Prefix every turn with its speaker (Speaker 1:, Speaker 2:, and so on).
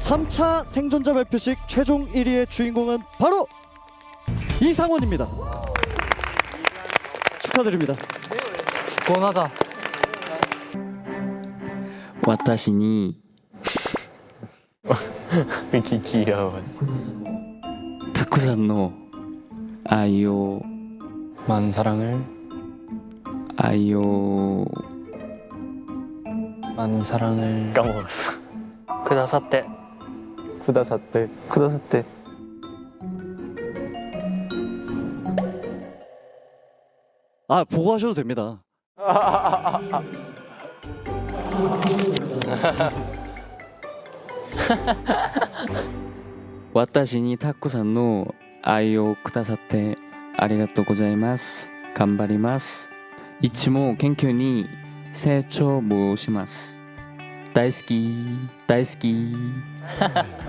Speaker 1: 3차 생존자 발표식 최종 1위의 주인공은 바로 이상원입니다. 축하드립니다.
Speaker 2: 권하다.
Speaker 3: 私にたくさんの愛を
Speaker 2: 많은 사랑을 많은 사랑을
Speaker 4: 까먹었어.
Speaker 2: くださって
Speaker 4: 쿠다사테.
Speaker 1: 아, 보고 하셔도 됩니다.
Speaker 3: 私にたくさんの愛をくださってありがとうございます。頑張ります。いつも研究に成長もします。大好き大好き